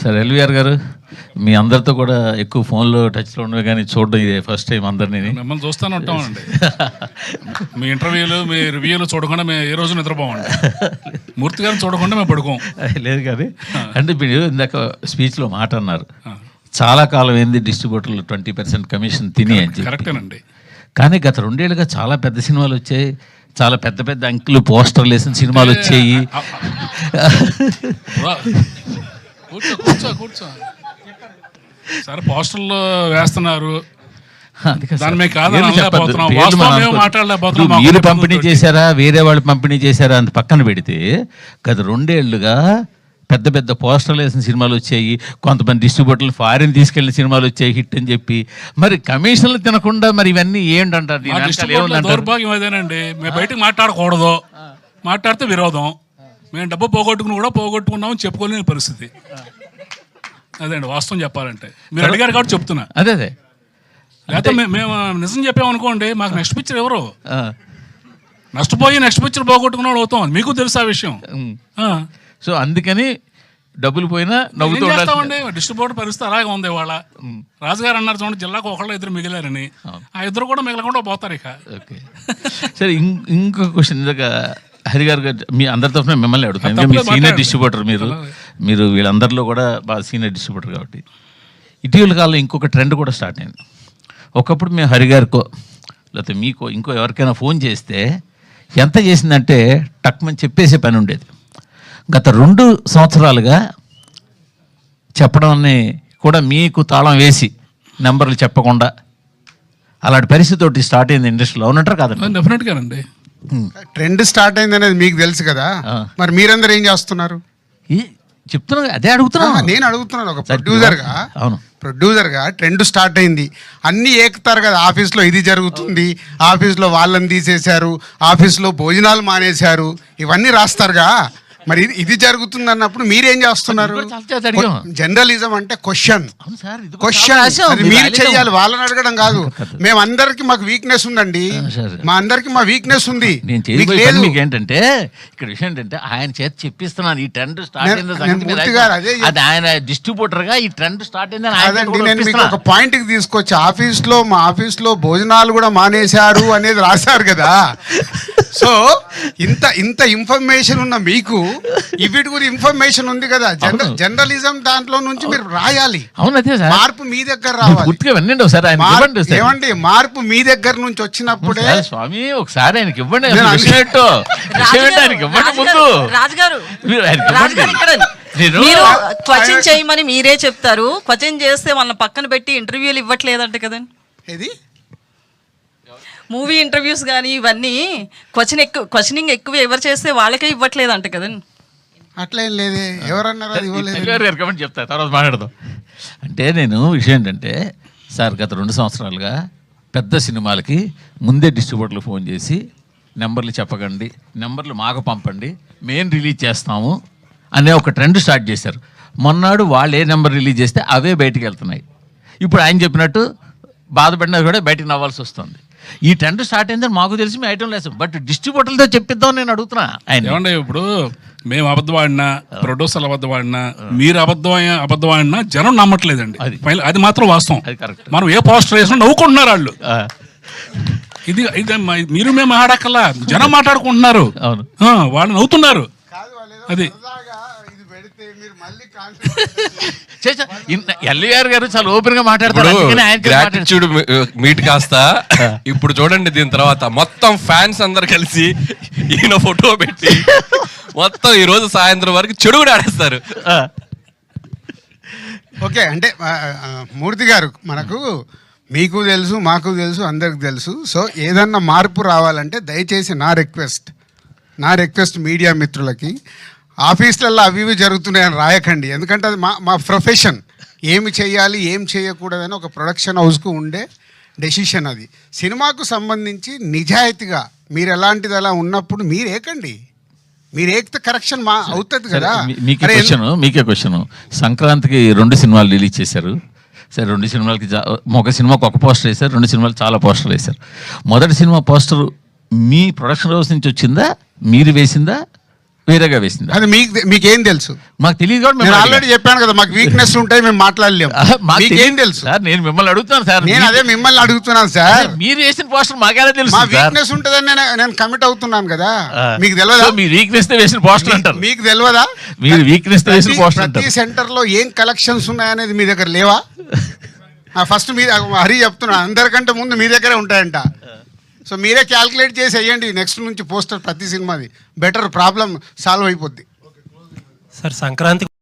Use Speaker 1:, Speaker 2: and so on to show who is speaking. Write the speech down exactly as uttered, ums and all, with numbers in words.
Speaker 1: Sir LVR గారు, మీ అందరితో కూడా ఎక్కువ ఫోన్లో టచ్లో ఉండవు, కానీ చూడడం ఇదే ఫస్ట్ టైం అందరినీ.
Speaker 2: మిమ్మల్ని చూస్తూనే ఉంటామండి. మీ ఇంటర్వ్యూలు మీ రివ్యూలు చూడకుండా మేము ఏ రోజు నిద్రపోమండి. మూర్తి గారిని చూడకుండా మేము పడుకోం.
Speaker 1: లేదు కానీ అంటే మీరు ఇందాక స్పీచ్లో మాట అన్నారు, చాలా కాలం ఏంది డిస్ట్రిబ్యూటర్లు ట్వంటీ పర్సెంట్ కమిషన్ తిని అని చెప్పి.
Speaker 2: కరెక్టేనండి. కానీ
Speaker 1: గత రెండేళ్ళుగా చాలా పెద్ద సినిమాలు వచ్చాయి, చాలా పెద్ద పెద్ద అంకులు పోస్టర్లు వేసిన సినిమాలు వచ్చాయి.
Speaker 2: కూర్చో కూర్చో కూర్చో సరే, పోస్టర్లు వేస్తున్నారు,
Speaker 1: మీరు పంపిణీ చేశారా వేరే వాళ్ళు పంపిణీ చేశారా అంత పక్కన పెడితే, గత రెండేళ్లుగా పెద్ద పెద్ద పోస్టర్లు వేసిన సినిమాలు వచ్చాయి, కొంతమంది డిస్ట్రిబ్యూటర్లు ఫారిన్ తీసుకెళ్లిన సినిమాలు వచ్చాయి హిట్ అని చెప్పి. మరి కమిషన్లు తినకుండా మరి ఇవన్నీ ఏంటంటారు?
Speaker 2: దౌర్భాగ్యం అదేనండి. మేము బయటకు మాట్లాడకూడదు, మాట్లాడితే విరోధం. మేము డబ్బు పోగొట్టుకుని కూడా పోగొట్టుకున్నామని చెప్పుకోలేని పరిస్థితి. అదే అండి వాస్తవం చెప్పాలంటే. మీరు అడిగారు కాబట్టి చెప్తున్నా.
Speaker 1: అదే అదే
Speaker 2: లేకపోతే మేము నిజం చెప్పామనుకోండి, మాకు నెక్స్ట్ పిక్చర్ ఎవరు? నష్టపోయి నెక్స్ట్ పిక్చర్ పోగొట్టుకున్నాడు అవుతాం. మీకు తెలుసు ఆ విషయం.
Speaker 1: సో అందుకని డబ్బులు పోయినా నవ్వుతూ
Speaker 2: చేస్తామండి. డిస్ట్రిబ్యూటర్ పరిస్థితి అలాగే ఉంది ఇవాళ. రాజుగారు అన్నారు చూడండి, జిల్లాకు ఒకళ్ళు ఇద్దరు మిగిలారని. ఆ ఇద్దరు కూడా మిగలకుండా పోతారు ఇక. ఓకే
Speaker 1: సరే, ఇంకొక క్వశ్చన్. ఇందాక హరి గారు మీ అందరి తరఫున మిమ్మల్ని అడుగుతాను, మీరు సీనియర్ డిస్ట్రిబ్యూటర్, మీరు మీరు వీళ్ళందరిలో కూడా బాగా సీనియర్ డిస్ట్రిబ్యూటర్ కాబట్టి. ఇటీవల కాలంలో ఇంకొక ట్రెండ్ కూడా స్టార్ట్ అయింది. ఒకప్పుడు మేము హరి గారికో లేకపోతే మీకో ఇంకో ఎవరికైనా ఫోన్ చేస్తే ఎంత చేసిందంటే టక్మని చెప్పేసే పని ఉండేది. గత రెండు సంవత్సరాలుగా చెప్పడాన్ని కూడా మీకు తాళం వేసి నెంబర్లు చెప్పకుండా అలాంటి పరిస్థితి ఒకటి స్టార్ట్ అయింది ఇండస్ట్రీలో, అవునంటారు కాదండి?
Speaker 2: డెఫినెట్గా అండి.
Speaker 3: ట్రెండ్ స్టార్ట్ అయింది అనేది మీకు తెలుసు కదా, మరి మీరందరూ ఏం చేస్తున్నారు?
Speaker 1: చెప్తున్నా, అదే అడుగుతున్నా.
Speaker 3: నేను అడుగుతున్నాను ఒక ప్రొడ్యూసర్గా.
Speaker 1: అవును,
Speaker 3: ప్రొడ్యూసర్గా ట్రెండ్ స్టార్ట్ అయింది, అన్నీ ఏకుతారు కదా. ఆఫీస్లో ఇది జరుగుతుంది, ఆఫీస్లో వాళ్ళని తీసేశారు, ఆఫీస్లో భోజనాలు మానేశారు, ఇవన్నీ రాస్తారుగా. మరి ఇది ఇది జరుగుతుంది అన్నప్పుడు మీరేం చేస్తున్నారు? జర్నలిజం అంటే క్వశ్చన్ క్వశ్చన్ మీరు చెయ్యాలి, వాళ్ళని అడగడం కాదు. మేము అందరికి మాకు వీక్నెస్ ఉందండి, మా అందరికి మా వీక్నెస్ ఉంది.
Speaker 1: మీకు ఏంటంటే ఇక్కడ విషయం ఏంటంటే ఆయన చేత చెప్పిస్తున్నాను ఈ ట్రెండ్ స్టార్ట్ అయింది, ఆయన డిస్ట్రిబ్యూటర్ గా ఈ ట్రెండ్ స్టార్ట్ అయింది.
Speaker 3: అదండి, నేను మీకు ఒక పాయింట్ కి తీసుకొచ్చి, ఆఫీస్ లో మా ఆఫీస్ లో భోజనాలు కూడా మానేశారు అనేది రాశారు కదా. సో ఇంత ఇంత ఇన్ఫర్మేషన్ ఉన్న మీకు ఇవిటి గురించి ఇన్ఫర్మేషన్ ఉంది కదా. జర్నలిజం దాంట్లో నుంచి మీరు రాయాలి. మార్పు మీ దగ్గర రావాలి. ఏమండి, మార్పు మీ దగ్గర నుంచి వచ్చినప్పుడే.
Speaker 1: స్వామి ఒకసారి ఆయనకి ఇవ్వండి,
Speaker 4: క్వశ్చన్ చేయమని మీరే చెప్తారు. క్వశ్చన్ చేస్తే వాళ్ళని పక్కన పెట్టి ఇంటర్వ్యూలు ఇవ్వట్లేదంట కదండి.
Speaker 3: ఇది
Speaker 4: మూవీ ఇంటర్వ్యూస్ కానీ ఇవన్నీ క్వశ్చన్ ఎక్కువ క్వశ్చనింగ్ ఎక్కువ ఎవరు చేస్తే వాళ్ళకే ఇవ్వట్లేదంట కదండి.
Speaker 3: అట్లేం లేదే, ఎవరన్నారు అది ఇవ్వలేదు.
Speaker 1: చెప్తా తర్వాత మాట్లాడదాం. అంటే నేను విషయం ఏంటంటే సార్, గత రెండు సంవత్సరాలుగా పెద్ద సినిమాలకి ముందే డిస్ట్రిబ్యూటర్లు ఫోన్ చేసి నెంబర్లు చెప్పకండి, నెంబర్లు మాకు పంపండి, మేము రిలీజ్ చేస్తాము అనే ఒక ట్రెండ్ స్టార్ట్ చేశారు. మొన్నాడు వాళ్ళు ఏ నెంబర్ రిలీజ్ చేస్తే అవే బయటికి వెళ్తున్నాయి. ఇప్పుడు ఆయన చెప్పినట్టు బాధపడినా కూడా బయటకు నవ్వాల్సి వస్తుంది. ఈ ట్రెండ్ స్టార్ట్ అయిందని మాకు తెలిసి మీ ఐటమ్ లేదు, బట్ డిస్ట్రిబ్యూటర్లతో చెప్పిద్దాం నేను అడుగుతున్నా. ఆయన
Speaker 2: ఏమంటే ఇప్పుడు మేము అబద్ధం ఆడినా, ప్రొడ్యూసర్లు అబద్ధం ఆడినా, మీరు అబద్ధం అబద్ధం ఆడినా జనం నమ్మట్లేదండి. అది మాత్రం వాస్తవం. మనం ఏ పోస్టర్ వేసినా నవ్వుకుంటున్నారు వాళ్ళు. ఇది ఇది మీరు మేము మాట్లాడక్కల్లా, జనం మాట్లాడుకుంటున్నారు, వాళ్ళు నవ్వుతున్నారు. అది
Speaker 1: ఎల్వీఆర్ గారు చాలా ఓపెన్ గా మాట్లాడతారు.
Speaker 5: మీట్ కాస్త ఇప్పుడు చూడండి, దీని తర్వాత మొత్తం ఫ్యాన్స్ అందరు కలిసి ఈయన ఫోటో పెట్టి మొత్తం ఈ రోజు సాయంత్రం వరకు చెడు కూడా ఆడేస్తారు.
Speaker 3: ఓకే, అంటే మూర్తి గారు, మనకు మీకు తెలుసు, మాకు తెలుసు, అందరికి తెలుసు. సో ఏదన్నా మార్పు రావాలంటే దయచేసి నా రిక్వెస్ట్ నా రిక్వెస్ట్ మీడియా మిత్రులకి, ఆఫీసులలో అవి ఇవి జరుగుతున్నాయని రాయకండి. ఎందుకంటే అది మా మా ప్రొఫెషన్. ఏమి చేయాలి ఏం చేయకూడదని ఒక ప్రొడక్షన్ హౌస్కు ఉండే డెసిషన్ అది. సినిమాకు సంబంధించి నిజాయితీగా మీరు ఎలాంటిది అలా ఉన్నప్పుడు మీరు ఏకండి, మీరు ఏకితే కరెక్షన్ మా అవుతుంది కదా.
Speaker 1: మీకే క్వశ్చన్ మీకే క్వశ్చన్ సంక్రాంతికి రెండు సినిమాలు రిలీజ్ చేశారు. సరే, రెండు సినిమాలకి ఒక సినిమాకి ఒక పోస్టర్ వేశారు, రెండు సినిమాలు చాలా పోస్టర్లు వేశారు. మొదటి సినిమా పోస్టర్ మీ ప్రొడక్షన్ హౌస్ నుంచి వచ్చిందా, మీరు వేసిందా, వేరేగా వేసిందా?
Speaker 3: అది మీకు మీకేం తెలుసు?
Speaker 1: మాకు తెలియదు కూడా
Speaker 3: నేను
Speaker 1: మేము
Speaker 3: ఆల్రెడీ చెప్పాను కదా, మాకు వీక్నెస్ ఉంటాయి, మేము మాట్లాడలేము.
Speaker 1: అడిగాం. మాకు
Speaker 3: మీకేం
Speaker 1: తెలియదు
Speaker 3: తెలుసు?
Speaker 1: సార్, నేను మిమ్మల్ని అడుగుతాను సార్.
Speaker 3: నేను అదే మిమ్మల్ని అడుగుతున్నాను సార్.
Speaker 1: మీరు వేసిన పోస్టర్ మాకేలా తెలుసు
Speaker 3: మా
Speaker 1: సార్?
Speaker 3: వీక్నెస్ ఉంటుందని నేను నేను కమిట్ అవుతున్నాను కదా.
Speaker 1: ఆ.
Speaker 3: మీకు తెలియదా?
Speaker 1: సో మీ వీక్నెస్ తో వేసిన పోస్టర్ అంటారు.
Speaker 3: మీకు తెలియదా?
Speaker 1: మీరు వీక్నెస్ తో వేసిన
Speaker 3: ప్రతి-
Speaker 1: పోస్టర్
Speaker 3: ప్రతి
Speaker 1: అంటారు.
Speaker 3: సెంటర్ లో ఏం కలెక్షన్స్ ఉన్నాయనేది మీ దగ్గర లేవా? ఫస్ట్ మీ హరి చెప్తున్నా, అందరికంటే ముందు మీ దగ్గరే ఉంటాయంట. సో మీరే క్యాల్కులేట్ చేసి వేయండి నెక్స్ట్ నుంచి పోస్టర్ ప్రతి సినిమాది. బెటర్, ప్రాబ్లం సాల్వ్ అయిపోద్ది.
Speaker 6: సార్ సంక్రాంతి